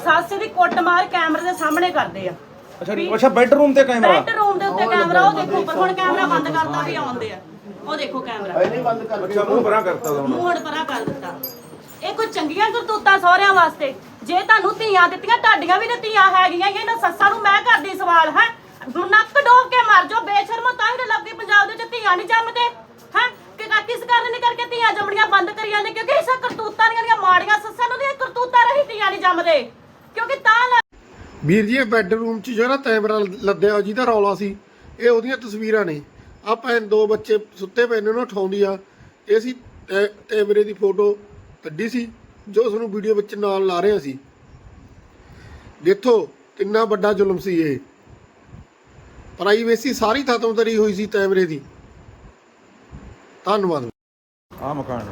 ਸੱਸ ਦੀ ਕੁੱਟਮਾਰ ਕੈਮਰੇ ਦੇ ਸਾਹਮਣੇ ਕਰਦੇ ਆ। ਅੱਛਾ ਬੈਡਰੂਮ ਤੇ ਕੈਮਰਾ, ਬੈਡਰੂਮ ਦੇ ਉੱਤੇ ਕੈਮਰਾ। ਉਹ ਦੇਖੋ ਪਰ ਹੁਣ ਕੈਮਰਾ ਬੰਦ ਕਰਤਾ ਵੀ ਆਉਂਦੇ ਆ। ਉਹ ਦੇਖੋ ਕੈਮਰਾ ਨਹੀਂ ਬੰਦ ਕਰ। ਅੱਛਾ ਮੂੰਹ ਪਰਾਂ ਕਰਤਾ ਉਹਦਾ, ਮੂੰਹ ਹੁਣ ਪਰਾਂ ਕਰ ਦਿੱਤਾ। ਇਹ ਕੋਈ ਚੰਗੀਆਂ ਕਰਤੂਤਾਂ ਸਹੁਰਿਆਂ ਵਾਸਤੇ? ਜੇ ਤੁਹਾਨੂੰ ਧੀਆਂ ਦਿੱਤੀਆਂ, ਤੁਹਾਡੀਆਂ ਵੀ ਤਾਂ ਧੀਆਂ ਹੈਗੀਆਂ। ਇਹਨਾਂ ਸੱਸਾਂ ਨੂੰ ਮੈਂ ਕਰਦੀ ਸਵਾਲ ਹੈ, ਨੱਕ ਡੋਬ ਕੇ ਮਰ ਜਾਓ ਬੇਸ਼ਰਮੋ। ਤਾਂ ਹੀ ਲੱਭਦੀ ਪੰਜਾਬ ਦੇ ਵਿੱਚ ਧੀਆਂ ਨਹੀਂ ਜੰਮਦੇ ਹੈ ਕਿ ਕਿਸ ਕਾਰਨ ਨਹੀਂ ਕਰਕੇ ਧੀਆਂ ਜੰਮਣੀਆਂ ਬੰਦ ਕਰੀ ਜਾਂਦੇ? ਕਿਉਂਕਿ ਇਸ ਕਰਤੂਤਾਂ ਦੀਆਂ ਮਾੜੀਆਂ ਸੱਸਾਂ ਨੂੰ ਦੀਆਂ ਕਰਤੂਤਾਂ ਰਹੀ ਧੀਆਂ ਨਹੀਂ ਜੰਮਦੇ। ਕਿਉਂਕਿ ਤਾਂ ਵੀਰ ਜੀ ਬੈੱਡਰੂਮ 'ਚ ਜਿਹੜਾ ਕੈਮਰਾ ਲੱਦਿਆ ਜਿਹਦਾ ਰੌਲਾ ਸੀ, ਇਹ ਉਹਦੀਆਂ ਤਸਵੀਰਾਂ ਨੇ। ਆ ਭੈਣ ਦੋ ਬੱਚੇ ਸੁੱਤੇ ਪਏ ਨੇ, ਉਹਨੂੰ ਉਠਾਉਂਦੀ ਆ। ਇਹ ਸੀ ਕੈਮਰੇ ਦੀ ਫੋਟੋ ਕੱਢੀ ਸੀ ਜੋ ਤੁਹਾਨੂੰ ਵੀਡੀਓ ਵਿੱਚ ਨਾਲ ਲਾ ਰਹੇ ਸੀ। ਦੇਖੋ ਕਿੰਨਾ ਵੱਡਾ ਜ਼ੁਲਮ ਸੀ ਇਹ। ਪ੍ਰਾਈਵੇਸੀ ਸਾਰੀ ਖਤਮ ਕਰੀ ਹੋਈ ਸੀ ਕੈਮਰੇ ਦੀ। ਧੰਨਵਾਦ। ਆ ਮਕਾਨ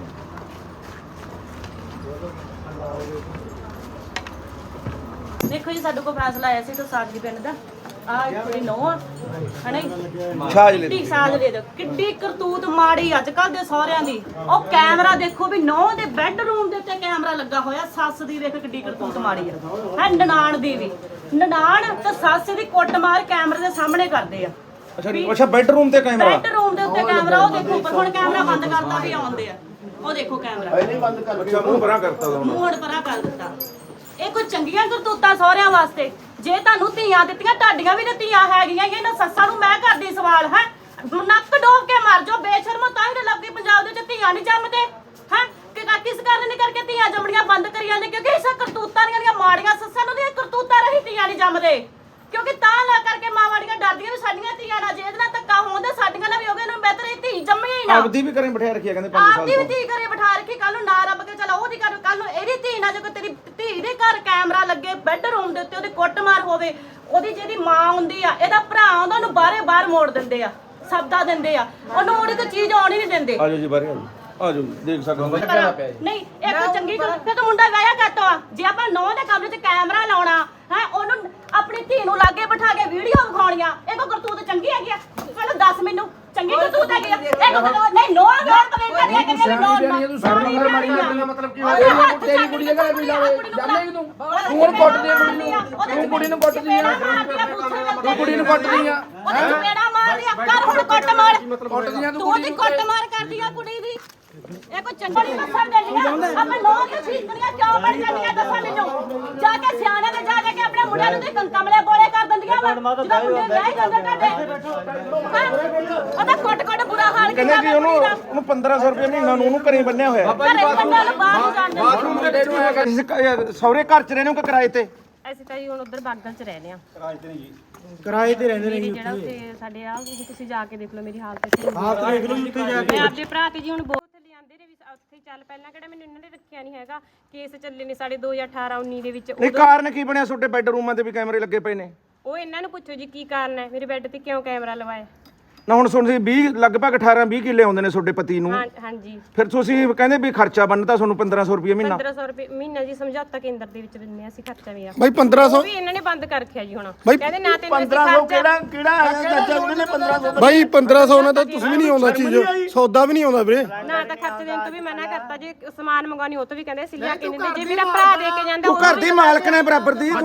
ਦੇਖੋ ਜੀ, ਸਾਡੇ ਕੋਲ ਫੈਸਲਾ ਆਇਆ ਸੀ ਤਾਂ ਸਾਜਲੀ ਪਿੰਡ ਦਾ। ਆ ਕੁੜੀ ਨੋ ਆ ਹਨਾ, ਕਿੱਡੀ ਸਾਜ ਦੇ ਦੋ। ਕਿੱਡੀ ਕਰਤੂਤ ਮਾੜੀ ਅੱਜ ਕੱਲ ਦੇ ਸਹੁਰਿਆਂ ਦੀ। ਉਹ ਕੈਮਰਾ ਦੇਖੋ ਵੀ ਨੋ ਦੇ ਬੈੱਡਰੂਮ ਦੇ ਉੱਤੇ ਕੈਮਰਾ ਲੱਗਾ ਹੋਇਆ। ਸੱਸ ਦੀ ਵੇਖ ਕਿੱਡੀ ਕਰਤੂਤ ਮਾੜੀ ਆ ਹੈ। ਨਨਾਣ ਦੀ ਵੀ, ਨਨਾਣ ਤੇ ਸੱਸ ਦੀ ਕੁੱਟਮਾਰ ਕੈਮਰੇ ਦੇ ਸਾਹਮਣੇ ਕਰਦੇ ਆ। ਅੱਛਾ ਬੈਡਰੂਮ ਤੇ ਕੈਮਰਾ, ਬੈੱਡਰੂਮ ਦੇ ਉੱਤੇ ਕੈਮਰਾ। ਉਹ ਦੇਖੋ ਪਰ ਹੁਣ ਕੈਮਰਾ ਬੰਦ ਕਰਤਾ ਵੀ ਆਉਂਦੇ ਆ। ਉਹ ਦੇਖੋ ਕੈਮਰਾ ਨਹੀਂ ਬੰਦ ਕਰ। ਅੱਛਾ ਮੂੰਹ ਪਰਾਂ ਕਰਤਾ ਉਹਦਾ, ਮੂੰਹ ਹੁਣ ਪਰਾਂ ਕਰ ਦਿੱਤਾ। ਇਹ ਕੋਈ ਚੰਗੀਆਂ ਕਰਤੂਤਾਂ ਸਹੁਰਿਆਂ ਵਾਸਤੇ? ਜੇ ਤੁਹਾਨੂੰ ਧੀਆਂ ਦਿੱਤੀਆਂ, ਤੁਹਾਡੀਆਂ ਵੀ ਤਾਂ ਧੀਆਂ ਹੈਗੀਆਂ। ਇਹਨਾਂ ਸੱਸਾਂ ਨੂੰ ਮੈਂ ਕਰਦੀ ਸਵਾਲ ਹੈ, ਨੱਕ ਡੋਬ ਕੇ ਮਰ ਜਾਓ ਬੇਸ਼ਰਮੋ। ਤਾਂ ਹੀ ਲੱਭਦੀ ਪੰਜਾਬ ਦੇ ਵਿੱਚ ਧੀਆਂ ਨਹੀਂ ਜੰਮਦੇ ਹੈ ਕਿ ਕਿਸ ਕਾਰਨ ਨਹੀਂ ਕਰਕੇ ਧੀਆਂ ਜੰਮਣੀਆਂ ਬੰਦ ਕਰੀ ਜਾਂਦੇ? ਕਿਉਂਕਿ ਇਸ ਕਰਤੂਤਾਂ ਦੀਆਂ ਮਾੜੀਆਂ ਸੱਸਾਂ ਨੂੰ ਦੀਆਂ ਕਰਤੂਤਾਂ ਰਹੀ ਧੀਆਂ ਨਹੀਂ ਜੰਮਦੇ। ਕਿਉਂਕਿ ਤਾਂ ਲਾ ਕਰਕੇ ਮਾਵਾੜੀਆਂ ਡਰਦੀਆਂ ਵੀ ਸਾਡੀਆਂ ਧੀਆਂ ਨਾਲ ਜੇ ਇਹਦੇ ਨਾਲ ਧੱਕਾ ਹੋਣ ਸਾਡੀਆਂ ਨਾਲ ਵੀ ਹੋਗੇ, ਇਹਨੂੰ ਬਿਹਤਰ ਇਹ ਧੀ ਜੰਮੀ ਹੀ ਨਾ। ਆਪਦੀ ਵੀ ਘਰੇ ਬਿਠਾ ਰੱਖਿਆ ਕਹਿੰਦੇ 5 ਸਾਲ ਆਪਦੀ ਵੀ ਧੀ ਘਰੇ ਬਿਠਾ ਰੱਖੀ। ਕੱਲ ਨੂੰ ਨਾ ਰੱਬ ਕੇ ਚਲਾ ਉਹਦੀ ਘਰ, ਕੱਲ ਨੂੰ ਇਹਦੀ ਧੀ ਨਾ, ਜੇ ਕੋਈ ਤੇਰੀ ਧੀ ਦੇ ਘਰ ਕੈਮਰਾ ਲੱਗੇ ਬੈੱਡਰੂਮ ਦੇ ਉੱਤੇ, ਉਹਦੀ ਕੁੱਟਮਾਰ ਹੋਵੇ, ਉਹਦੀ ਜਿਹਦੀ ਮਾਂ ਹੁੰਦੀ ਆ, ਇਹਦਾ ਭਰਾ ਆਉਂਦਾ, ਉਹਨੂੰ ਬਾਹਰ ਮੋੜ ਦਿੰਦੇ ਆ, ਸਬਦਾ ਦਿੰਦੇ ਆ, ਉਹਨੂੰ ਉਹਦੀ ਕੋਈ ਚੀਜ਼ ਆਉਣੀ ਨਹੀਂ ਦਿੰਦੇ। ਆਜੋ ਜੀ ਬਾਹਰ ਆਜੋ, ਦੇਖ ਸਕਦੇ ਹੋ। ਨਹੀਂ ਇਹ ਕੋਈ ਚੰਗੀ ਗੱਲ। ਫਿਰ ਤਾਂ ਮੁੰਡਾ ਵਿਆਹਿਆ ਕਰਤਾ ਆ। ਜੇ ਆਪਾਂ ਨੌ ਦੇ ਕਮਰੇ 'ਚ ਕੈਮਰਾ ਲਾਉਣਾ ਹੈ, ਉਹਨੂੰ ਆਪਣੀ ਧੀ ਨੂੰ ਲਾਗੇ ਬਿਠਾ ਕੇ ਵੀਡੀਓ ਵਿਖਾਉਣੀਆਂ, ਇਹ ਕੋਈ ਕਰਤੂਤ ਚੰਗੀ ਹੈਗੀ ਆ? ਪਹਿਲਾਂ ਦੱਸ ਮੈਨੂੰ, ਚੰਗੀ ਕਰਤੂਤ ਹੈਗੀ ਆ? ਨਹੀਂ ਨੋ ਕਮੈਂਟ ਕਰਿਆ ਕਿ ਨੋ ਤੂੰ ਸਾਡੀ ਘਰ ਮਾਰੀ ਲੱਗਣਾ ਮਤਲਬ ਕੀ ਹੋਇਆ? ਤੇਰੀ ਕੁੜੀ ਦੇ ਘਰੇ ਵੀ ਲਾਵੇ ਜਾਣੇ ਤੂੰ ਹੁਣ ਕੁੱਟਦੀ ਆ ਕੁੜੀ ਨੂੰ। ਤੂੰ ਕੁੜੀ ਨੂੰ ਕੁੱਟਦੀ ਆ, ਤੂੰ ਕੁੜੀ ਨੂੰ ਕੁੱਟਦੀ ਆ। ਉਹਦੇ ਚਪੇੜਾ ਮਾਰਦੀ ਆ। ਕਰ ਹੁਣ ਕੁੱਟ ਮਾਰ, ਕੁੱਟਦੀ ਆ ਤੂੰ ਉਹਦੀ ਕੁੱਟ ਮਾਰ ਕਰਦੀ ਆ ਕੁੜੀ ਦੀ। ਇਹ ਕੋਈ ਚੰਗੀ ਦੱਸਣ ਦੇਣੀਆਂ ਆਪਾਂ ਲੋਕ ਚੀਜ਼ਾਂ ਕਿਉਂ ਬਣ ਜਾਂਦੀਆਂ? ਦੱਸਾਂ ਮੈਨੂੰ ਜਾ ਕੇ ਸਿਆਣੇ ਦੇ ਜਾ ਕੇ ਆਪਣੇ ਮੁੰਡਿਆਂ ਨੂੰ ਤੇ ਕੰਕਮਲੇ ਬੋਲੇ ਕਰ ਦਿੰਦੀਆਂ ਵਾ। ਜਦੋਂ ਮੁੰਡੇ ਵਿਆਹ ਜਾਂਦੇ ਉਹਦਾ ਕੁੱਟ ਬੁਰਾ ਹਾਲ ਕਹਿੰਦੇ ਕਿ ਉਹਨੂੰ 1500 ਰੁਪਏ ਮਹੀਨਾ ਨੂੰ ਉਹਨੂੰ ਘਰੇ ਬੰਨਿਆ ਹੋਇਆ। ਘਰੇ ਬੰਦਿਆਂ ਨੂੰ ਬਾਹਰ ਨਹੀਂ ਜਾਣ ਬਾਥਰੂਮ ਦੇ ਤੈਨੂੰ ਹੈਗਾ। ਸਹੁਰੇ ਘਰ ਚ ਰਹਿੰਦੇ ਹੋ ਕਿ ਕਿਰਾਏ ਤੇ? ਅਸੀਂ ਤਾਂ ਜੀ ਹੁਣ ਉਧਰ ਬਾਗਲ ਚ ਰਹਿੰਦੇ ਆ। ਕਿਰਾਏ ਤੇ ਰਹਿੰਦੇ ਨੇ ਜਿਹੜਾ ਉੱਤੇ ਸਾਡੇ ਆ ਤੁਸੀਂ ਜਾ ਕੇ ਦੇਖ ਲਓ ਮੇਰੀ ਹਾਲਤ ਦੇਖ ਲਓ ਜਿੱਥੇ ਜਾ ਕੇ। ਮੈਂ ਆਪਦੇ ਭਰਾ ਤੇ ਜੀ ਹੁਣ ਬਹੁਤ ਲਿਆਂਦੇ ਨੇ ਵੀ ਉੱਥੇ ਚੱਲ। ਪਹਿਲਾਂ ਕਿਹੜਾ ਮੈਨੂੰ ਇਹਨਾਂ ਨੇ ਰੱਖਿਆ ਨਹੀਂ ਹੈਗਾ। ਕੇਸ ਚੱਲੇ ਨੇ ਸਾਡੇ 2018 19 ਦੇ ਵਿੱਚ। ਇਹ ਕਾਰਨ ਕੀ ਬਣਿਆ? ਤੁਹਾਡੇ ਬੈੱਡਰੂਮਾਂ ਤੇ ਵੀ ਕੈਮਰੇ ਲੱਗੇ ਪਏ ਨੇ। ਉਹ ਇਹਨਾਂ ਨੂੰ ਪੁੱਛੋ ਜੀ ਕੀ ਕਾਰਨ ਹੈ ਮੇਰੇ ਬੈੱਡ ਤੇ ਕਿਉਂ ਕੈਮਰਾ ਲਵਾਇਆ? ਨਾ ਹੁਣ ਸੁਣ 20 ਲਗਭਗ 18-20 ਕਿੱਲੇ ਆਉਂਦੇ ਨੇ ਤੁਹਾਡੇ ਪਤੀ ਨੂੰ। ਹਾਂਜੀ ਫਿਰ ਤੁਸੀਂ ਕਹਿੰਦੇ ਵੀ ਖਰਚਾ ਬਣਦਾ ਤੁਹਾਨੂੰ 1500 ਰੁਪਏ ਮਹੀਨਾ। 1500 ਰੁਪਏ ਮਹੀਨਾ ਜੀ ਸਮਝੌਤਾ ਕੇਂਦਰ ਦੇ ਵਿੱਚ ਦਿੰਦੇ ਆ ਅਸੀਂ ਖਰਚਾ ਵੀ ਆ। ਬਾਈ 1500 ਵੀ ਇਹਨਾਂ ਨੇ ਬੰਦ ਕਰ ਰੱਖਿਆ ਜੀ ਹੁਣ। ਬਾਈ ਕਹਿੰਦੇ ਨਾ ਤੈਨੂੰ 1500 ਕਿਹੜਾ ਹੈ ਚਾਚਾ? ਉਹਨੇ 1500 ਬਾਈ 1500 ਨਾਲ ਤਾਂ ਤੁਸੀਂ ਵੀ ਨਹੀਂ ਆਉਂਦਾ ਚੀਜ਼, ਸੌਦਾ ਵੀ ਨਹੀਂ ਆਉਂਦਾ ਵੀਰੇ। ਨਾ ਤਾਂ ਖਰਚ ਦੇਣ ਤੋਂ ਵੀ ਮਨਾ ਕਰਤਾ। ਜੇ ਸਮਾਨ ਮੰਗਾਉਣੀ ਉਹ ਤੋਂ ਵੀ ਕਹਿੰਦੇ ਅਸੀਂ ਲਿਆ ਕੇ ਨਹੀਂ ਦਿੰਦੇ। ਜੇ ਮੇਰਾ ਭਰਾ ਦੇ ਕੇ ਜਾਂਦਾ ਤੂੰ ਘਰ ਦੀ ਮਾਲਕ ਨੇ ਬਰਾਬਰ ਦੀ।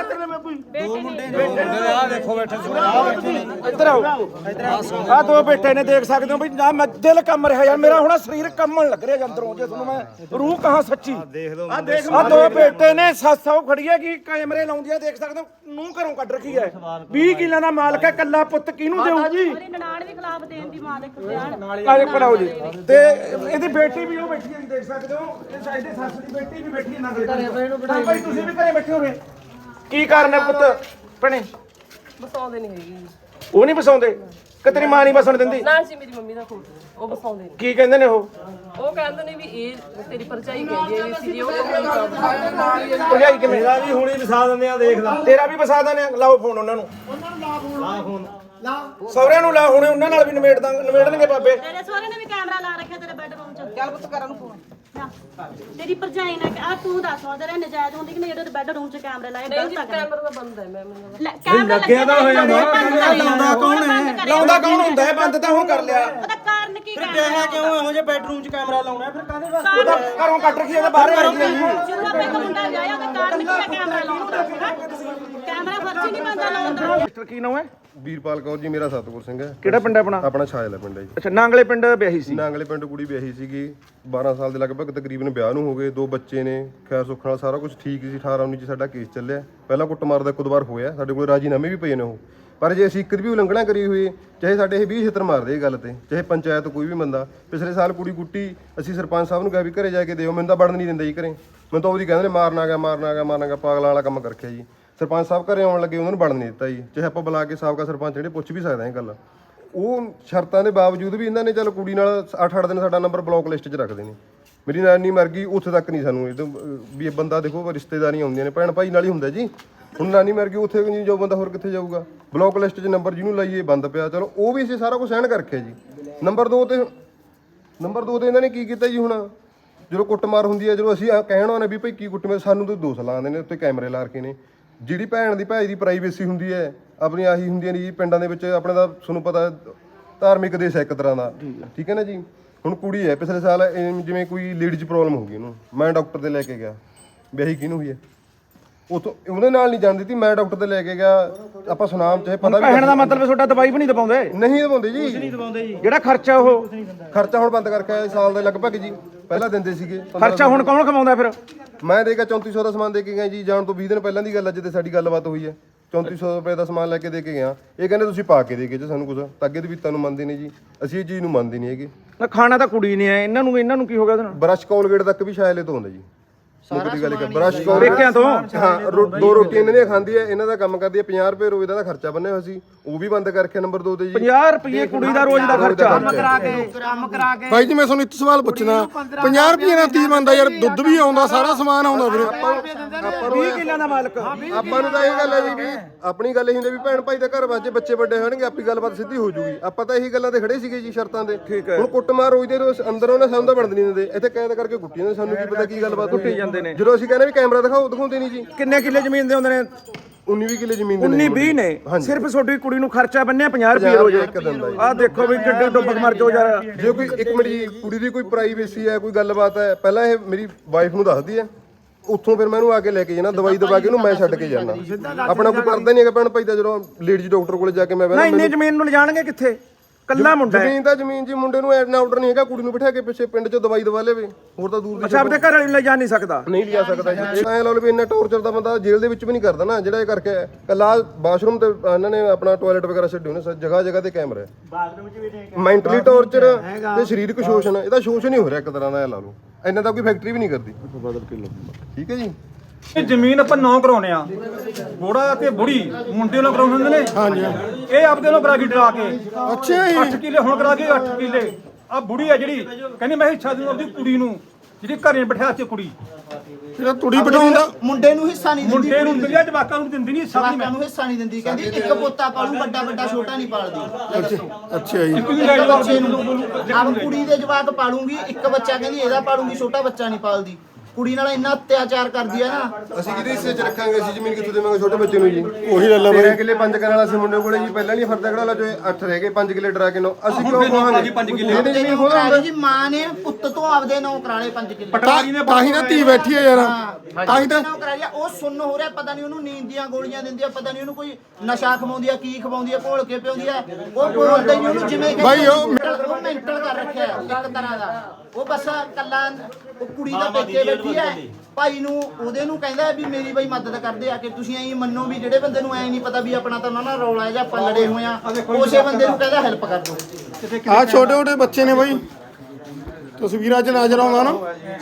ਇੱਧਰ ਆਓ, ਆ ਦੋ ਬੇਟੇ ਨੇ ਦੇਖ ਸਕਦੇ ਹੋ ਵੀ ਨਾ ਮੈਂ ਦਿਲ ਕੰਮ ਰਿਹਾ ਯਾਰ ਮੇਰਾ। ਹੁਣ ਸਰੀਰ ਕੰਮਣ ਲੱਗ ਰਿਹਾ ਅੰਦਰੋਂ। ਜੇ ਤੁਹਾਨੂੰ ਮੈਂ ਰੂਹ ਕਹਾਂ ਸੱਚੀ। ਆ ਦੇਖ ਆ ਦੋ ਬੇਟੇ ਨੇ ਸੱਸਾਂ ਖੜੀ ਹੈ ਕਿ ਕੈਮਰੇ ਲਾਉਂਦੀ ਆ। ਦੇਖ ਸਕਦੇ ਹੋ ਨੂੰ ਘਰੋਂ ਕੱਢ ਰੱਖੀ ਹੈ। 20 ਕਿੱਲਿਆਂ ਦਾ ਮਾਲਕ ਹੈ। ਕੱਲਾ ਪੁੱਤ ਕਿਹਨੂੰ ਦੇਊ ਜੀ? ਉਹਦੀ ਨਨਾਣ ਵੀ ਖਿਲਾਫ ਦੇਣ ਦੀ ਮਾਂ ਦੇ ਖਿਆਲ। ਆਜੇ ਪੜਾਓ ਜੀ। ਤੇ ਇਹਦੀ ਬੇਟੀ ਵੀ ਉਹ ਬੈਠੀ ਹੈ, ਦੇਖ ਸਕਦੇ ਹੋ। ਇਹ ਸਾਈਡ ਸੱਸ ਦੀ ਬੇਟੀ ਵੀ ਬੈਠੀ ਹੈ ਨਾਲ। ਭਾਈ ਤੁਸੀਂ ਵੀ ਘਰੇ ਬੈਠੇ ਹੋਗੇ। ਕੀ ਕਾਰਨ ਹੈ ਪੁੱਤ? ਭੈਣੇ ਬਸਾਉਂਦੇ ਨਹੀਂ ਹੈਗੇ। ਉਹ ਨਹੀਂ ਬਸਾਉਂਦੇ ਕਿ ਤੇਰੀ ਮਾਂ ਨਹੀਂ ਬਸਣ ਦਿੰਦੀ? ਨਾ ਸੀ ਮੇਰੀ ਮੰਮੀ ਦਾ ਖੋਟ, ਉਹ ਬਸਾਉਂਦੇ ਨੇ। ਕੀ ਕਹਿੰਦੇ ਨੇ ਉਹ? ਉਹ ਕਹਿੰਦੇ ਨੇ ਵੀ ਇਹ ਤੇਰੀ ਪਰਚਾਈ ਕਹਿੰਦੀ ਹੈ ਵੀ ਸੀ ਜੇ ਉਹ ਭਰਜਾਈ ਕਿਵੇਂ? ਮੇਰਾ ਵੀ ਹੁਣੀ ਵਸਾ ਦਿੰਦੇ ਆ, ਦੇਖ ਲੈ। ਤੇਰਾ ਵੀ ਵਸਾ ਦਿੰਦੇ ਆ। ਲਾਓ ਫੋਨ ਉਹਨਾਂ ਨੂੰ। ਲਾ ਫੋਨ। ਸਹੁਰਿਆਂ ਨੂੰ ਲਾ, ਹੁਣੇ ਉਹਨਾਂ ਨਾਲ ਵੀ ਨਿਬੇੜਨਗੇ ਬਾਬੇ। ਤੇਰੇ ਸਹੁਰੇ ਨੇ ਵੀ ਕੈਮਰਾ ਲਾ ਰੱਖਿਆ ਤੇਰੇ ਬੈੱਡਰੂਮ 'ਚ। ਚੱਲ ਪੁੱਤ ਕਰਨ ਨੂੰ ਫੋਨ। ਤੇਰੀ ਭਰਜਾਈ ਨੇ ਆ ਤੂੰ ਦੱਸ ਤੇਰੇ ਨਜਾਇਜ਼ ਹੁੰਦੀ ਕਿ ਨਹੀਂ ਜਿਹੜੇ ਬੈੱਡਰੂਮ 'ਚ ਕੈਮਰੇ ਲਾਏ? ਨਹੀਂ ਜੀ ਕੈਮਰਾ ਤਾਂ ਬੰਦ ਹੈ ਮੈਂ ਕੈਮਰਾ ਲੱਗਿਆ ਤਾਂ ਹੋਇਆ ਲਾਉਂਦਾ ਕੌਣ ਹੈ? ਲਾਉਂਦਾ ਕੌਣ ਹੁੰਦਾ ਹੈ? ਬੰਦ ਤਾਂ ਹੁਣ ਕਰ ਲਿਆ। ਉਹਦਾ ਕਾਰਨ ਕੀ? ਫਿਰ ਕਿਹਾ ਕਿਉਂ ਇਹੋ ਜਿਹੇ ਬੈਡਰੂਮ 'ਚ ਕੈਮਰਾ ਲਾਉਣਾ? ਫਿਰ ਕਾਹਦੇ ਵਾਸਤੇ? ਉਹਦਾ ਘਰੋਂ ਕੱਢ ਰੱਖੀ, ਉਹਦਾ ਬਾਹਰ ਕੱਢ ਰੱਖੀ। ਜਦੋਂ ਆਪਾਂ ਇੱਕ ਮੁੰਡਾ ਵਿਆਹਿਆ ਉਹਦਾ ਕਾਰਨ ਕੀ ਹੈ ਕੈਮਰਾ ਲਾਉਣ ਕੈਮਰਾ ਫਰਜ਼ੀ ਨਹੀਂ ਮੰਨਦਾ ਲਾਉਣ ਦਾ। ਮਿਸਟਰ ਕੀ ਨਾਮ ਹੈ? ਵੀਰਪਾਲ ਕੌਰ ਜੀ ਮੇਰਾ ਸਤਿਗੁਰ ਸਿੰਘ ਹੈ। ਕਿਹੜਾ ਪਿੰਡ ਹੈ ਆਪਣਾ? ਆਪਣਾ ਛਾਇਲਾ ਪਿੰਡ ਹੈ ਜੀ। ਅੱਛਾ, ਨਾਂਗਲੇ ਪਿੰਡ ਵਿਆਹੀ ਸੀ। ਨਾਂਗਲੇ ਪਿੰਡ ਕੁੜੀ ਵਿਆਹੀ ਸੀਗੀ 12 ਸਾਲ ਦੇ ਲਗਭਗ ਤਕਰੀਬਨ ਵਿਆਹ ਨੂੰ ਹੋ ਗਏ, 2 ਬੱਚੇ ਨੇ, ਖੈਰ ਸੁੱਖ ਨਾਲ ਸਾਰਾ ਕੁਝ ਠੀਕ ਸੀ। 18-19 ਚ ਸਾਡਾ ਕੇਸ ਚੱਲਿਆ, ਪਹਿਲਾਂ ਕੁੱਟਮਾਰ ਦਾ ਇੱਕ ਦੋ ਵਾਰ ਹੋਇਆ, ਸਾਡੇ ਕੋਲ ਰਾਜੀਨਾਮੇ ਵੀ ਪਏ ਨੇ ਉਹ। ਪਰ ਜੇ ਅਸੀਂ ਇੱਕ ਦੀ ਵੀ ਉਲੰਘਣਾ ਕਰੀ ਹੋਈ, ਚਾਹੇ ਸਾਡੇ ਇਹ 20 ਛਿੱਤਰ ਮਾਰਦੇ ਇਹ ਗੱਲ ਤੇ, ਚਾਹੇ ਪੰਚਾਇਤ ਕੋਈ ਵੀ ਬੰਦਾ। ਪਿਛਲੇ ਸਾਲ ਕੁੜੀ ਕੁੱਟੀ, ਅਸੀਂ ਸਰਪੰਚ ਸਾਹਿਬ ਨੂੰ ਕਿਹਾ ਵੀ ਘਰੇ ਜਾ ਕੇ ਦਿਓ, ਮੈਨੂੰ ਤਾਂ ਵੜਨ ਨਹੀਂ ਦਿੰਦਾ ਜੀ ਘਰੇ। ਮੈਨੂੰ ਤਾਂ ਉਹਦੀ ਕਹਿੰਦੇ ਨੇ ਮਾਰਨਾ ਗਿਆ, ਪਾਗਲਾਂ ਵਾਲਾ ਕੰਮ ਕਰਕੇ ਜੀ। ਸਰਪੰਚ ਸਾਹਿਬ ਘਰੇ ਆਉਣ ਲੱਗੇ, ਉਹਨਾਂ ਨੂੰ ਵੜਨ ਨਹੀਂ ਦਿੱਤਾ ਜੀ। ਚਾਹੇ ਆਪਾਂ ਬੁਲਾ ਕੇ ਸਾਬਕਾ ਸਰਪੰਚ ਜਿਹੜੇ ਪੁੱਛ ਵੀ ਸਕਦੇ ਹਾਂ ਇਹ ਗੱਲ। ਉਹ ਸ਼ਰਤਾਂ ਦੇ ਬਾਵਜੂਦ ਵੀ ਇਹਨਾਂ ਨੇ ਚੱਲ ਕੁੜੀ ਨਾਲ 8-8 ਦਿਨ ਸਾਡਾ ਨੰਬਰ ਬਲੌਕ ਲਿਸਟ 'ਚ ਰੱਖਦੇ ਨੇ। ਮੇਰੀ ਨਾਨੀ ਮਰ ਗਈ, ਉੱਥੇ ਤੱਕ ਨਹੀਂ ਸਾਨੂੰ ਵੀ ਇਹ ਬੰਦਾ ਦੇਖੋ ਰਿਸ਼ਤੇਦਾਰੀਆਂ ਹੁੰਦੀਆਂ ਨੇ, ਭੈਣ ਭਾਈ ਨਾਲ ਹੀ ਹੁੰਦਾ ਜੀ। ਹੁਣ ਨਾਨੀ ਮਰ ਗਈ, ਉੱਥੇ ਨਹੀਂ ਜਾਊ ਬੰਦਾ, ਹੋਰ ਕਿੱਥੇ ਜਾਊਗਾ? ਬਲੌਕ ਲਿਸਟ 'ਚ ਨੰਬਰ ਜਿਹਨੂੰ ਲਾਈਏ ਬੰਦ ਪਿਆ। ਚਲੋ ਉਹ ਵੀ ਅਸੀਂ ਸਾਰਾ ਕੁਝ ਸਹਿਣ ਕਰਕੇ ਜੀ। ਨੰਬਰ 2 ਤੇ ਇਹਨਾਂ ਨੇ ਕੀ ਕੀਤਾ ਜੀ? ਹੁਣ ਜਦੋਂ ਕੁੱਟਮਾਰ ਹੁੰਦੀ ਹੈ, ਜਦੋਂ ਅਸੀਂ ਕਹਿਣ ਆਉਂਦੇ ਵੀ ਭਾਈ ਕੀ ਕੁੱਟਮਾਰ, ਸਾਨੂੰ ਤਾਂ ਦੋਸ਼ ਲਾਉਂਦੇ ਨੇ, ਉੱਤੇ ਕੈਮਰੇ ਲਾ ਕੇ ਨੇ। ਜਿਹੜੀ ਭੈਣ ਦੀ ਭਾਈ ਦੀ ਪ੍ਰਾਈਵੇਸੀ ਹੁੰਦੀ ਹੈ ਆਪਣੀ, ਆਹੀ ਹੁੰਦੀਆਂ ਨੇ ਜੀ ਪਿੰਡਾਂ ਦੇ ਵਿੱਚ। ਆਪਣੇ ਦਾ ਤੁਹਾਨੂੰ ਪਤਾ ਧਾਰਮਿਕ ਦੇਸ਼ ਹੈ ਇੱਕ ਤਰ੍ਹਾਂ ਦਾ, ਠੀਕ ਹੈ ਨਾ ਜੀ। ਹੁਣ ਕੁੜੀ ਹੈ, ਪਿਛਲੇ ਸਾਲ ਜਿਵੇਂ ਕੋਈ ਲੇਡੀਜ਼ ਪ੍ਰੋਬਲਮ ਹੋ ਗਈ ਉਹਨੂੰ, ਮੈਂ ਡਾਕਟਰ ਤੇ ਲੈ ਕੇ ਗਿਆ। ਵਿਆਹੀ ਕਿਹਨੂੰ ਹੋਈ ਹੈ? ਉਥੋਂ ਉਹਦੇ ਨਾਲ ਨਹੀਂ ਜਾਣ ਦਿੱਤੀ, ਮੈਂ ਡਾਕਟਰ ਤੇ ਲੈ ਕੇ ਗਿਆ। ਆਪਾਂ ਸੁਨਾਮ ਚਾਹੇ ਪਤਾ ਵੀ ਕਹਿਣ ਦਾ ਮਤਲਬ ਤੁਹਾਡਾ ਦਵਾਈ ਵੀ ਨਹੀਂ ਦਵਾਉਂਦੇ? ਨਹੀਂ ਦਵਾਉਂਦੇ ਜੀ। ਜਿਹੜਾ ਖਰਚਾ ਉਹ ਖਰਚਾ ਹੁਣ ਬੰਦ ਕਰਕੇ ਆਏ ਸਾਲ ਦੇ ਲਗਭਗ ਜੀ। ਪਹਿਲਾਂ ਦਿੰਦੇ ਸੀਗੇ। ਖਰਚਾ ਹੁਣ ਕੌਣ ਕਮਾਉਂਦਾ ਫਿਰ? ਮੈਂ ਦੇ ਕੇ 3400 ਦਾ ਸਮਾਨ ਦੇ ਕੇ ਗਿਆ ਜੀ। ਜਾਣ ਤੋਂ 20 ਦਿਨ ਪਹਿਲਾਂ ਦੀ ਗੱਲ ਹੈ, ਜਿੱਦੇ ਸਾਡੀ ਗੱਲਬਾਤ ਹੋਈ ਹੈ। 3400 ਰੁਪਏ ਦਾ ਸਮਾਨ ਲੈ ਕੇ ਦੇ ਕੇ ਗਿਆ। ਇਹ ਕਹਿੰਦੇ ਤੁਸੀਂ ਪਾ ਕੇ ਦੇ ਕੇ ਸਾਨੂੰ ਕੁਝ, ਤਾਂ ਅੱਗੇ ਦੇ ਵੀ ਤੁਹਾਨੂੰ ਮੰਨਦੇ ਨੇ ਜੀ। ਅਸੀਂ ਇਹ ਚੀਜ਼ ਨੂੰ ਮੰਨਦੇ ਨਹੀਂ ਹੈਗੇ। ਖਾਣਾ ਤਾਂ ਕੁੜੀ ਨੇ ਹੈ, ਇਹਨਾਂ ਨੂੰ ਕੀ ਹੋ ਗਿਆ ਉਹਦੇ ਨਾਲ? ਬਰਸ਼ ਕੋਲਗੇਟ ਤੱਕ ਵੀ ਸ਼ਾਇਲੇ ਤੋਂ ਹੁੰਦਾ ਜੀ। ਮੁੱਕਦੀ ਗੱਲ ਕਰ ਬਰਸ਼ ਪੇਕਿਆਂ ਤੋਂ। ਹਾਂ, 2 ਰੋਟੀਆਂ ਇਹਨਾਂ ਦੀਆਂ ਖਾਂਦੀ ਹੈ, ਇਹਨਾਂ ਦਾ ਕੰਮ ਕਰਦੀ ਹੈ। 50 ਰੁਪਏ ਰੋਜ਼ ਦਾ ਖਰਚਾ ਬੰਨਿਆ ਹੋਇਆ ਸੀ, ਉਹ ਵੀ ਬੰਦ ਕਰਕੇ ਨੰਬਰ 2 ਤੇ ਜੀ। 50 ਰੁਪਏ ਕੁੜੀ ਦਾ ਰੋਜ਼ ਦਾ ਖਰਚਾ। ਕੰਮ ਬਾਈ ਜੀ ਮੈਂ ਤੁਹਾਨੂੰ ਇੱਕ ਸਵਾਲ ਪੁੱਛਣਾ, 50 ਰੁਪਏ ਨਾਲ ਕੀ ਬਣਦਾ ਯਾਰ? ਦੁੱਧ ਵੀ ਆਉਂਦਾ, ਸਾਰਾ ਸਮਾਨ ਆਉਂਦਾ ਵੀਰੇ। 20 ਕਿੱਲਿਆਂ ਦਾ ਮਾਲਕ। ਆਪਾਂ ਨੂੰ ਤਾਂ ਇਹ ਗੱਲ ਹੈ ਜੀ ਵੀ ਆਪਣੀ ਗੱਲ ਇਹ ਹੁੰਦੀ ਵੀ ਭੈਣ ਭਾਈ ਦਾ ਘਰ ਵਾਜੇ, ਬੱਚੇ ਵੱਡੇ ਹੋਣਗੇ, ਆਪੀ ਗੱਲਬਾਤ ਸਿੱਧੀ ਹੋ ਜੂਗੀ। ਆਪਾਂ ਤਾਂ ਇਹੀ ਗੱਲਾਂ ਤੇ ਖੜੇ ਸੀਗੇ ਜੀ, ਸ਼ਰਤਾਂ ਦੇ। ਹੁਣ ਕੁੱਟਮਾਰ ਰੋਜ਼ ਦੇ ਰੋਜ਼ ਅੰਦਰ ਉਹਨੇ ਸਾਨੂੰ ਤਾਂ ਬਣਦ ਨਹੀਂ ਦਿੰਦੇ, ਇੱਥੇ ਕੈਦ ਕਰਕੇ ਕੁੱਟੀ ਜਾਂਦੇ। ਸਾਨੂੰ ਕੀ ਪਤਾ ਕੀ ਗੱਲਬਾਤ ਕੁੱਟੀ ਜਾਂਦੇ ਨੇ। ਜਦੋਂ ਅਸੀਂ ਕਹਿੰਦੇ ਵੀ ਕੈਮਰਾ ਦਿਖਾਉਂਦੇ ਨਹੀਂ ਜੀ। ਕਿੰਨੇ ਕਿੱਲੇ ਜ਼ਮੀਨ ਦੇ ਹੁੰਦੇ ਨੇ? 19-20 ਕਿੱਲੇ ਜ਼ਮੀਨ ਦੇ 19-20 ਨੇ। ਸਿਰਫ ਤੁਹਾਡੀ ਕੁੜੀ ਨੂੰ ਖਰਚਾ ਬੰਨਿਆ 50 ਰੁਪਏ ਰੋਜ਼ ਇੱਕ ਦਿਨ ਦਾ ਜੀ। ਆਹ ਦੇਖੋ ਵੀ ਕਿੱਡੇ ਡੁੱਬ ਮਰ ਜਾਓ ਯਾਰ। ਜੇ ਕੋਈ ਇੱਕ ਮਿੰਟ ਜੀ, ਕੁੜੀ ਦੀ ਕੋਈ ਪ੍ਰਾਈਵੇਸੀ ਹੈ, ਕੋਈ ਗੱਲਬਾਤ ਹੈ, ਪਹਿਲਾਂ ਇਹ ਮੇਰੀ ਵਾਈਫ ਨੂੰ ਦੱਸਦੀ ਹੈ, ਉੱਥੋਂ ਫਿਰ ਮੈਂ ਇਹਨੂੰ ਆ ਕੇ ਲੈ ਕੇ ਜਾਣਾ, ਦਵਾਈ ਦਵਾ ਕੇ ਇਹਨੂੰ ਮੈਂ ਛੱਡ ਕੇ ਜਾਣਾ। ਆਪਣਾ ਕੋਈ ਕਰਦਾ ਨਹੀਂ ਹੈਗਾ ਭੈਣ ਭਾਈ ਦਾ। ਜਦੋਂ ਲੇਡੀਜ਼ ਡਾਕਟਰ ਕੋਲੇ ਜਾ ਕੇ ਮੈਂ ਨਾ ਇੰਨੇ ਜ਼ਮੀਨ ਨੂੰ ਲਿਜਾਣਗੇ ਕਿੱਥੇ? ਕੱਲਾ ਮੁੰਡਾ ਜ਼ਮੀਨ ਤਾਂ ਜ਼ਮੀਨ ਜੀ, ਮੁੰਡੇ ਨੂੰ ਐਨਾ ਆਰਡਰ ਨਹੀਂ ਹੈਗਾ ਕੁੜੀ ਨੂੰ ਬਿਠਾ ਕੇ ਪਿੱਛੇ ਪਿੰਡ 'ਚ ਦਵਾਈ ਦਵਾ ਲੇਵੇ, ਹੋਰ ਤਾਂ ਦੂਰ ਦੀ। ਅੱਛਾ, ਆਪਣੇ ਘਰ ਵਾਲੀ ਨੂੰ ਲੈ ਜਾ ਨਹੀਂ ਸਕਦਾ? ਨਹੀਂ ਲਿਆ ਸਕਦਾ ਜੀ। ਐ ਲਾ ਲਓ ਵੀ ਇੰਨਾ ਟੌਰਚਰ ਦਾ ਬੰਦਾ ਜੇਲ੍ਹ ਦੇ ਵਿੱਚ ਵੀ ਨਹੀਂ ਕਰਦਾ ਨਾ, ਜਿਹੜਾ ਇਹ ਕਰਕੇ ਕੱਲਾ ਬਾਥਰੂਮ ਤੇ ਇਹਨਾਂ ਨੇ ਆਪਣਾ ਟਾਇਲਟ ਵਗੈਰਾ ਛੱਡੇ ਹੋਣੇ, ਜਗ੍ਹਾ ਜਗ੍ਹਾ ਤੇ ਕੈਮਰਾ। ਬਾਥਰੂਮ 'ਚ ਵੀ ਮੈਂਟਲੀ ਟੌਰਚਰ ਤੇ ਸਰੀਰਕ ਸ਼ੋਸ਼ਣ, ਇਹਦਾ ਸ਼ੋਸ਼ਣ ਹੀ ਹੋ ਰਿਹਾ ਇੱਕ ਤਰ੍ਹਾਂ ਦਾ। ਐ ਲਾ ਲਓ ਇਹਨਾਂ ਦਾ ਕੋਈ ਫੈਕਟਰੀ ਵੀ ਨਹੀਂ ਕਰਦੀ। ਠੀਕ ਹੈ ਜੀ। ਇਹ ਜ਼ਮੀਨ ਆਪਾਂ 9 ਕਰਾਉਨੇ ਆ, ਬੋੜਾ ਤੇ ਬੁੜੀ ਮੁੰਡੇ ਨੂੰ ਕਰਾਉਣੇ ਹੁੰਦੇ ਨੇ। ਹਾਂਜੀ, ਇਹ ਆਪਦੇ ਨੂੰ ਕਰਾ ਕੇ ਡਰਾ ਕੇ। ਅੱਛਾ ਜੀ। 8 ਕਿੱਲੇ ਹੁਣ ਕਰਾ ਕੇ 8 ਕਿੱਲੇ। ਆ ਬੁੜੀ ਆ ਜਿਹੜੀ ਕਹਿੰਦੀ ਮੈਂ ਹਿੱਸਾ ਦੂੰ ਆਪਣੀ ਕੁੜੀ ਨੂੰ, ਜਿਹੜੀ ਘਰੇ ਬਿਠਾ ਕੇ ਕੁੜੀ। ਜਿਹੜਾ ਤੁੜੀ ਬਿਠਾਉਂਦਾ ਮੁੰਡੇ ਨੂੰ ਹਿੱਸਾ ਨਹੀਂ ਦਿੰਦੀ, ਮੁੰਡੇ ਨੂੰ ਦਿੰਦੀ, ਜਵਾਕਾਂ ਨੂੰ ਦਿੰਦੀ ਨਹੀਂ। ਜਵਾਕਾਂ ਨੂੰ ਹਿੱਸਾ ਨਹੀਂ ਦਿੰਦੀ। ਕਹਿੰਦੀ ਇੱਕ ਪੋਤਾ ਪਾਲੂ, ਵੱਡਾ ਛੋਟਾ ਨਹੀਂ ਪਾਲਦੀ। ਅੱਛਾ ਜੀ। ਇੱਕ ਬੱਚੇ ਨੂੰ ਆਪ ਕੁੜੀ ਦੇ ਜਵਾਕ ਪਾਲੂਗੀ, ਇੱਕ ਬੱਚਾ ਕਹਿੰਦੀ ਇਹਦਾ ਪਾਲੂਗੀ, ਛੋਟਾ ਬੱਚਾ ਨਹੀਂ ਪਾਲਦੀ। ਕੁੜੀ ਨਾਲ ਇੰਨਾ ਅਤਿਆਚਾਰ ਕਰਦੀ ਹੈ ਨਾ। ਅਸੀਂ ਕਿਹਦੇ ਹਿੱਸੇ 'ਚ ਰੱਖਾਂਗੇ? ਅਸੀਂ ਜ਼ਮੀਨ ਕਿੱਥੋਂ ਦੇਵਾਂਗੇ ਛੋਟੇ ਬੱਚੇ ਨੂੰ ਜੀ? ਉਹੀ ਗੱਲ ਆ ਬਾਈ। 13 ਕਿੱਲੇ 5 ਕਰਨ ਵਾਲਾ ਸੀ ਮੁੰਡੇ ਕੋਲੇ ਜੀ, ਪਹਿਲਾਂ ਨਹੀਂ ਫਰਦਾ ਕਢਾ ਲਾ ਜੋ 8 ਰਹਿ ਗਏ, 5 ਕਿੱਲੇ ਡਰਾ ਕੇ 9। ਅਸੀਂ ਕਿਉਂ ਕਹਾਂਗੇ 5 ਕਿੱਲੇ ਜ਼ਮੀਨ ਖੋਲਾਂਗੇ ਜੀ? ਮਾਂ ਨੇ ਪੁੱਤ ਤੋਂ ਆਪਦੇ ਨਾਂ ਕਰਾ ਲਏ 5 ਕਿੱਲੇ। ਤਾਂ ਹੀ ਨਾ ਧੀ ਬੈਠੀ ਹੈ ਯਾਰ, ਤਾਂ ਹੀ ਤਾਂ ਨਾਂ ਕਰਾ ਲਿਆ। ਉਹ ਸੁੰਨ ਹੋ ਰਿਹਾ, ਪਤਾ ਨਹੀਂ ਉਹਨੂੰ ਨੀਂਦ ਦੀਆਂ ਗੋਲੀਆਂ ਦਿੰਦੀ ਆ, ਪਤਾ ਨਹੀਂ ਉਹਨੂੰ ਕੋਈ ਨਸ਼ਾ ਖਵਾਉਂਦੀ ਆ, ਕੀ ਖਵਾਉਂਦੀ ਆ, ਘੋਲ ਕੇ ਪਿਆਉਂਦੀ ਆ। ਉਹ ਬੋਲਦਾ ਹੀ ਉਹਨੂੰ ਜਿਵੇਂ ਬਾਈ ਉਹ ਮੈਂਟਲ ਕਰ ਰੱਖਿਆ ਇੱਕ ਤਰ੍ਹਾਂ ਦਾ। ਉਹ ਬਸ ਕੱਲਾ ਉਹ ਕੁੜੀ ਦਾ ਪੇਕੇ ਬੈਠੀ ਹੈ, ਭਾਈ ਨੂੰ ਉਹਦੇ ਨੂੰ ਕਹਿੰਦਾ ਵੀ ਮੇਰੀ ਬਈ ਮਦਦ ਕਰਦੇ ਆ ਕਿ ਤੁਸੀਂ ਐਂ ਮੰਨੋ ਵੀ ਜਿਹੜੇ ਬੰਦੇ ਨੂੰ ਐਂ ਨਹੀਂ ਪਤਾ ਵੀ ਆਪਣਾ ਤਾਂ ਉਹਨਾਂ ਨਾਲ ਰੌਲਾ ਹੈ ਜਾਂ ਆਪਾਂ ਲੜੇ ਹੋਏ ਆ, ਉਸੇ ਬੰਦੇ ਨੂੰ ਕਹਿੰਦਾ ਹੈਲਪ ਕਰ ਦਿਓ। ਆ ਛੋਟੇ ਛੋਟੇ ਬੱਚੇ ਨੇ ਬਾਈ, ਤਸਵੀਰਾਂ 'ਚ ਨਜ਼ਰ ਆਉਂਦਾ ਨਾ।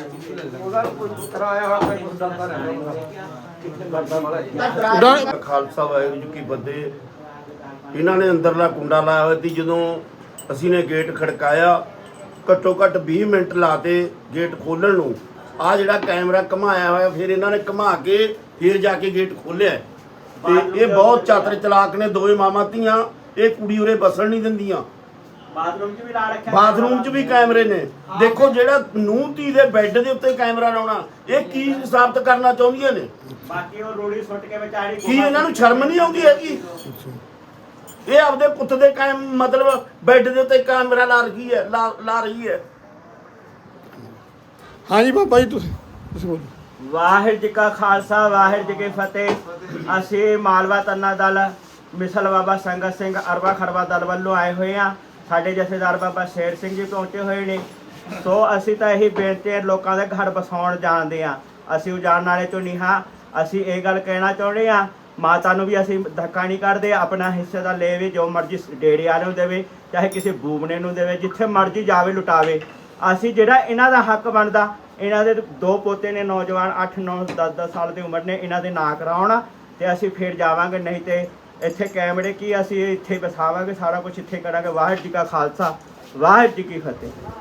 ਖਾਲਸਾ ਵਾਹਿਗੁਰੂ ਜੀ ਕੀ ਫਤਿਹ। ਇਹਨਾਂ ਨੇ ਅੰਦਰਲਾ ਕੁੰਡਾ ਲਾਇਆ ਹੋਇਆ ਸੀ। ਜਦੋਂ ਅਸੀਂ ਨੇ ਗੇਟ ਖੜਕਾਇਆ, ਘੱਟੋ ਘੱਟ 20 ਮਿੰਟ ਲਾਤੇ ਗੇਟ ਖੋਲਣ ਨੂੰ। ਆ ਜਿਹੜਾ ਕੈਮਰਾ ਘਮਾਇਆ ਹੋਇਆ, ਫਿਰ ਇਹਨਾਂ ਨੇ ਘਮਾ ਕੇ ਫਿਰ ਜਾ ਕੇ ਗੇਟ ਖੋਲਿਆ। ਤੇ ਇਹ ਬਹੁਤ ਚਾਤਰ ਚਲਾਕ ਨੇ, ਦੋਵੇਂ ਮਾਮਾ ਧੀਆਂ। ਇਹ ਕੁੜੀ ਉਰੇ ਬਸਣ ਨਹੀਂ ਦਿੰਦੀਆਂ। ਬਾਥਰੂਮ 'ਚ ਵੀ ਲਾ ਰੱਖਿਆ, ਬਾਥਰੂਮ 'ਚ ਵੀ ਕੈਮਰੇ ਨੇ। ਦੇਖੋ, ਜਿਹੜਾ ਨੂੰਹ ਧੀ ਦੇ ਬੈੱਡ ਦੇ ਉੱਤੇ ਕੈਮਰਾ ਲਾਉਣਾ, ਇਹ ਕੀ ਸਾਬਤ ਕਰਨਾ ਚਾਹੁੰਦੀਆਂ ਨੇ? ਬਾਕੀ ਉਹ ਰੋੜੀ ਸੁੱਟ ਕੇ ਵਿਚਾਰੀ, ਕੀ ਇਹਨਾਂ ਨੂੰ ਸ਼ਰਮ ਨਹੀਂ ਆਉਂਦੀ ਹੈਗੀ? ਇਹ ਆਪਦੇ ਪੁੱਤ ਦੇ ਮਤਲਬ ਬੈੱਡ ਦੇ ਉੱਤੇ ਕੈਮਰਾ ਲਾ ਰਹੀ ਹੈ। ਹਾਂਜੀ ਬਾਬਾ ਜੀ, ਤੁਸੀਂ ਬੋਲੋ। ਵਾਹਿਗੁਰੂ ਜੀ ਕਾ ਖਾਲਸਾ ਵਾਹਿਗੁਰੂ ਜੀ ਕੀ ਫਤਿਹ। ਅਸੀਂ ਮਾਲਵਾ ਤੰਨਾ ਦਲ ਮਿਸਲ ਬਾਬਾ ਸੰਗਤ ਸਿੰਘ ਅਰਵਾ ਖੜਵਾ ਦਲ ਵੱਲੋਂ ਆਏ ਹੋਏ ਹਾਂ। ਸਾਡੇ ਜਥੇਦਾਰ ਬਾਬਾ ਸ਼ੇਰ ਸਿੰਘ ਜੀ ਪਹੁੰਚੇ ਹੋਏ ਨੇ। ਸੋ ਅਸੀਂ ਤਾਂ ਇਹੀ ਬੇਨਤੀ ਹੈ, ਲੋਕਾਂ ਦੇ ਘਰ ਵਸਾਉਣ ਜਾਣਦੇ ਹਾਂ, ਅਸੀਂ ਉਜਾੜਨ ਵਾਲੇ ਤੋਂ ਨਹੀਂ ਹਾਂ। ਅਸੀਂ ਇਹ ਗੱਲ ਕਹਿਣਾ ਚਾਹੁੰਦੇ ਹਾਂ, ਮਾਤਾ ਨੂੰ ਵੀ ਅਸੀਂ ਧੱਕਾ ਨਹੀਂ ਕਰਦੇ, ਆਪਣਾ ਹਿੱਸੇ ਦਾ ਲੈਵੇ, ਜੋ ਮਰਜ਼ੀ ਡੇਰੇ ਵਾਲੇ ਨੂੰ ਦੇਵੇ, ਚਾਹੇ ਕਿਸੇ ਬੂਬਨੇ ਨੂੰ ਦੇਵੇ, ਜਿੱਥੇ ਮਰਜ਼ੀ ਜਾਵੇ ਲੁਟਾਵੇ। ਅਸੀਂ ਜਿਹੜਾ ਇਹਨਾਂ ਦਾ ਹੱਕ ਬਣਦਾ, ਇਹਨਾਂ ਦੇ 2 ਪੋਤੇ ਨੇ ਨੌਜਵਾਨ 8 9 10 ਸਾਲ ਦੀ ਉਮਰ ਨੇ, ਇਹਨਾਂ ਦੇ ਨਾਂ ਕਰਾਉਣ ਤੇ ਅਸੀਂ ਫਿਰ ਜਾਵਾਂਗੇ। ਨਹੀਂ ਤੇ ਇੱਥੇ ਕੈਮਰੇ ਕੀ, ਅਸੀਂ ਇੱਥੇ ਵਸਾਵਾਂਗੇ, ਸਾਰਾ ਕੁਝ ਇੱਥੇ ਕਰਾਂਗੇ। ਵਾਹਿਗੁਰੂ ਜੀ ਕਾ ਖਾਲਸਾ ਵਾਹਿਗੁਰੂ ਜੀ ਕੀ ਫਤਿਹ।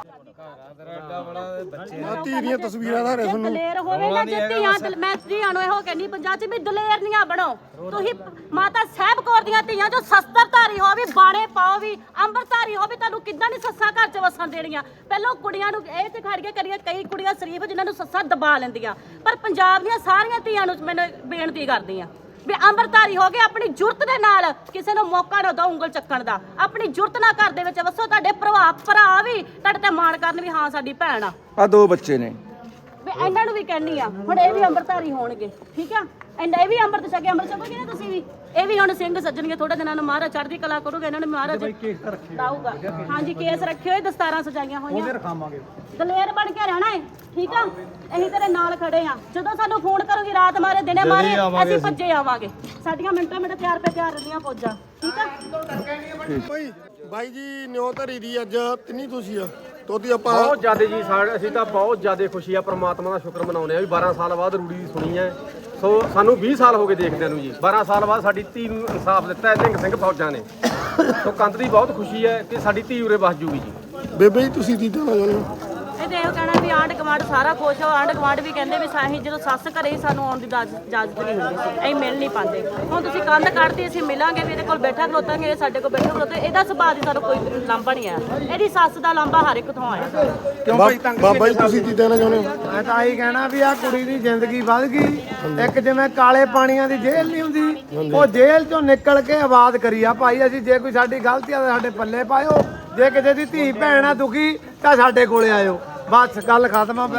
ਧੀ ਦੀਆਂ ਤਸਵੀਰਾਂ ਦਾ ਜੇ ਦਲੇਰ ਹੋਵੇ ਨਾ, ਜੇ ਧੀਆਂ ਮੈਂ ਧੀਆਂ ਨੂੰ ਇਹੋ ਕਹਿੰਦੀ ਪੰਜਾਬ 'ਚ ਵੀ ਦਲੇਰ ਨੀਆਂ ਬਣੋ। ਤੁਸੀਂ ਮਾਤਾ ਸਾਹਿਬ ਕੌਰ ਦੀਆਂ ਧੀਆਂ ਜੋ ਸ਼ਸਤਰਧਾਰੀ ਹੋ ਵੀ, ਬਾਣੇ ਪਾਓ ਵੀ, ਅੰਮ੍ਰਿਤਧਾਰੀ ਹੋ ਵੀ, ਤੁਹਾਨੂੰ ਕਿੱਦਾਂ ਨਹੀਂ ਸੱਸਾਂ ਘਰ 'ਚ ਵਸਣ ਦੇਣੀਆਂ। ਪਹਿਲਾਂ ਕੁੜੀਆਂ ਨੂੰ ਇਹ ਤੇ ਖੜ ਕੇ ਕਰੀਏ, ਕਈ ਕੁੜੀਆਂ ਸ਼ਰੀਫ ਜਿਨ੍ਹਾਂ ਨੂੰ ਸੱਸਾਂ ਦਬਾ ਲੈਂਦੀਆਂ, ਪਰ ਪੰਜਾਬ ਦੀਆਂ ਸਾਰੀਆਂ ਧੀਆਂ ਨੂੰ ਮੈਨੂੰ ਬੇਨਤੀ ਕਰਦੀ ਆ ਵੀ ਅੰਮ੍ਰਿਤਧਾਰੀ ਹੋ ਗਏ, ਆਪਣੀ ਜੁਰਤ ਦੇ ਨਾਲ ਕਿਸੇ ਨੂੰ ਮੌਕਾ ਨਾ ਦਿਓ ਉਂਗਲ ਚੱਕਣ ਦਾ। ਆਪਣੀ ਜੁਰਤ ਨਾਲ ਘਰ ਦੇ ਵਿੱਚ ਵਸੋ, ਤੁਹਾਡੇ ਭਰਾ ਵੀ ਤੁਹਾਡੇ ਤੇ ਮਾਣ ਕਰਨ ਵੀ ਹਾਂ ਸਾਡੀ ਭੈਣ ਆ। ਆ 2 ਬੱਚੇ ਨੇ ਵੀ ਇਹਨਾਂ ਨੂੰ ਵੀ ਕਹਿੰਦੀ ਆ, ਹੁਣ ਇਹ ਵੀ ਅੰਮ੍ਰਿਤਧਾਰੀ ਹੋਣਗੇ, ਠੀਕ ਆ। ਇਹ ਵੀ ਅੰਮ੍ਰਿਤ ਛਕੇ, ਅੰਮ੍ਰਿਤ ਛਕੋਗੇ ਨਾ ਤੁਸੀਂ ਵੀ। ਇਹ ਵੀ ਹੁਣ ਸਿੰਘ ਸੱਜਣਗੇ, ਥੋੜੇ ਦਿਨਾਂ ਨੂੰ ਮਹਾਰਾਜ ਚੜ੍ਹਦੀ ਕਲਾ ਕਰੂਗੇ, ਇਹਨਾਂ ਨੇ ਮਹਾਰਾਜ ਲਾਊਗਾ। ਹਾਂਜੀ, ਕੇਸ ਰੱਖੇ ਹੋਏ, ਦਸਤਾਰਾਂ ਸਜਾਈਆਂ ਹੋਈਆਂ, ਦਲੇਰ ਬਣ ਕੇ ਰਹਿਣਾ ਹੈ, ਠੀਕ ਆ। ਅਸੀਂ ਤੇਰੇ ਨਾਲ ਖੜੇ ਆ, ਜਦੋਂ ਸਾਨੂੰ ਫੋਨ ਕਰੋਗੀ, ਰਾਤ ਮਾਰੇ ਦਿਨੇ ਮਾਰੇ, ਅਸੀਂ ਭੱਜੇ ਆਵਾਂਗੇ। ਸਾਡੀਆਂ ਮਿੰਟਾਂ ਮਿੰਟ ਤਿਆਰ ਰਹਿੰਦੀਆਂ ਫੌਜਾਂ, ਠੀਕ ਆ। ਬਾਈ ਜੀ ਨਿਉ ਧਰੀ ਦੀ ਅੱਜ ਤਿੰਨੀ ਤੁਸੀਂ ਆ ਤੋਦੀ ਆਪਾਂ ਬਹੁਤ ਜ਼ਿਆਦਾ ਜੀ, ਅਸੀਂ ਤਾਂ ਬਹੁਤ ਜ਼ਿਆਦਾ ਖੁਸ਼ੀ ਆ, ਪ੍ਰਮਾਤਮਾ ਦਾ ਸ਼ੁਕਰ ਮਨਾਉਂਦੇ ਆ ਵੀ 12 ਸਾਲ ਬਾਅਦ ਰੂੜੀ ਦੀ ਸੁਣੀ ਹੈ। ਸੋ ਸਾਨੂੰ 20 ਸਾਲ ਹੋ ਗਏ ਦੇਖਦਿਆਂ ਨੂੰ ਜੀ। 12 ਸਾਲ ਬਾਅਦ ਸਾਡੀ ਧੀ ਨੂੰ ਇਨਸਾਫ ਦਿੱਤਾ ਹੈ ਨਿਹੰਗ ਸਿੰਘ ਫੌਜਾਂ ਨੇ। ਸੋ ਕੰਧ ਦੀ ਬਹੁਤ ਖੁਸ਼ੀ ਹੈ ਕਿ ਸਾਡੀ ਧੀ ਉਰੇ ਵਸ ਜੂਗੀ ਜੀ। ਬੇਬੇ ਜੀ ਤੁਸੀਂ ਕੀ ਕਹਿਣਾ ਚਾਹੁੰਦੇ ਹੋ? ਇਹ ਤੇ ਇਹੋ ਕਹਿਣਾ ਵੀ ਆਂਢ ਗੁਆਂਢ ਸਾਰਾ ਖੁਸ਼ ਹੋ। ਆਂਢ ਗੁਆਂਢ ਵੀ ਕਹਿੰਦੇ ਵੀ ਸਾਹੀਂ ਜਦੋਂ ਸੱਸ ਘਰੇ ਹੀ ਸਾਨੂੰ ਆਉਣ ਦੀ ਇਜਾਜ਼ਤ ਨਹੀਂ ਹੁੰਦੀ ਸੀ, ਅਸੀਂ ਮਿਲ ਨਹੀਂ ਪਾਉਂਦੇ। ਹੁਣ ਤੁਸੀਂ ਕੰਧ ਕੱਢਦੀ, ਅਸੀਂ ਮਿਲਾਂਗੇ ਵੀ ਇਹਦੇ ਕੋਲ ਬੈਠਾ ਖਲੋਤਾਂਗੇ, ਇਹ ਸਾਡੇ ਕੋਲ ਬੈਠਾ ਖਲੋਤੇ। ਇਹਦਾ ਸੁਭਾਅ ਦੀ ਸਾਨੂੰ ਕੋਈ ਲਾਂਭਾ ਨਹੀਂ ਆਇਆ, ਇਹਦੀ ਸੱਸ ਦਾ ਲਾਂਭਾ ਹਰ ਇੱਕ ਤੋਂ ਆਇਆ। ਬਾਬਾ ਜੀ ਤੁਸੀਂ ਕੀ ਕਹਿਣਾ ਚਾਹੁੰਦੇ ਹੋ? ਮੈਂ ਤਾਂ ਆਹੀ ਕਹਿਣਾ ਵੀ ਆ ਕੁੜੀ ਦੀ ਜ਼ਿੰਦਗੀ ਵੱਧ ਗਈ। ਇੱਕ ਜਿਵੇਂ ਕਾਲੇ ਪਾਣੀਆਂ ਦੀ ਜੇਲ੍ਹ ਨਹੀਂ ਹੁੰਦੀ, ਉਹ ਜੇਲ੍ਹ ਚੋਂ ਨਿਕਲ ਕੇ ਆਬਾਦ ਕਰੀ ਆ ਭਾਈ। ਅਸੀਂ ਜੇ ਕੋਈ ਸਾਡੀ ਗਲਤੀ ਆ ਤਾਂ ਸਾਡੇ ਪੱਲੇ ਪਾਇਓ, ਜੇ ਕਿਸੇ ਦੀ ਧੀ ਭੈਣ ਆ ਦੁਖੀ ਤਾਂ ਸਾਡੇ ਕੋਲੇ ਆਇਓ। ਬਸ ਗੱਲ ਖਤਮ ਆ।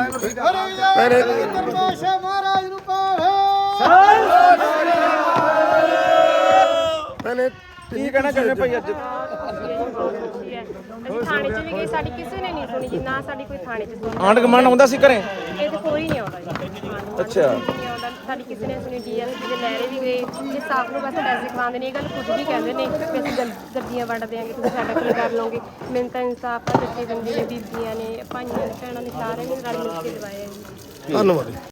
ਪਹਿਲੇ ਕੀ ਕਹਿਣਾ ਚਾਹੁੰਦੇ ਭਾਈ? ਅੱਜ ਅਸੀਂ ਥਾਣੇ 'ਚ ਵੀ ਗਏ, ਸਾਡੀ ਕਿਸੇ ਨੇ ਨਹੀਂ ਸੁਣੀ ਜੀ, ਨਾ ਸਾਡੀ ਕੋਈ ਥਾਣੇ 'ਚ ਸੁਣੀ। ਆਂਢ ਗੁਆਂਢ ਆਉਂਦਾ ਸੀ ਘਰੇ? ਇਹ ਤੇ ਕੋਈ ਨਹੀਂ ਆਉਂਦਾ ਜੀ। ਅੱਛਾ, ਨਹੀਂ ਆਉਂਦਾ, ਸਾਡੀ ਕਿਸੇ ਨੇ ਸੁਣੀ। ਡੀਐਸਪੀ ਦੇ ਲਹਿਰੇ ਵੀ ਗਏ, ਜੇ ਸਾਫ ਨੂੰ ਬਸ ਪੈਸੇ ਖਵਾਉਂਦੇ ਨੇ। ਇਹ ਗੱਲ ਖੁਦ ਵੀ ਕਹਿੰਦੇ ਨੇ ਕਿ ਅਸੀਂ ਗੱਡੀਆਂ ਵੰਡ ਦਿਆਂਗੇ, ਤੁਸੀਂ ਸਾਡਾ ਕੀ ਕਰ ਲਓਗੇ। ਮੈਨੂੰ ਤਾਂ ਇਨਸਾਫ ਆ, ਜੱਥੇ ਬੰਦੇ ਨੇ, ਬੀਬੀਆਂ ਨੇ, ਭਾਈਆਂ ਨੇ, ਭੈਣਾਂ ਨੇ, ਸਾਰਿਆਂ ਨੇ ਰਲ ਮਿਲ ਕੇ ਦਿਵਾਇਆ ਜੀ। ਧੰਨਵਾਦ।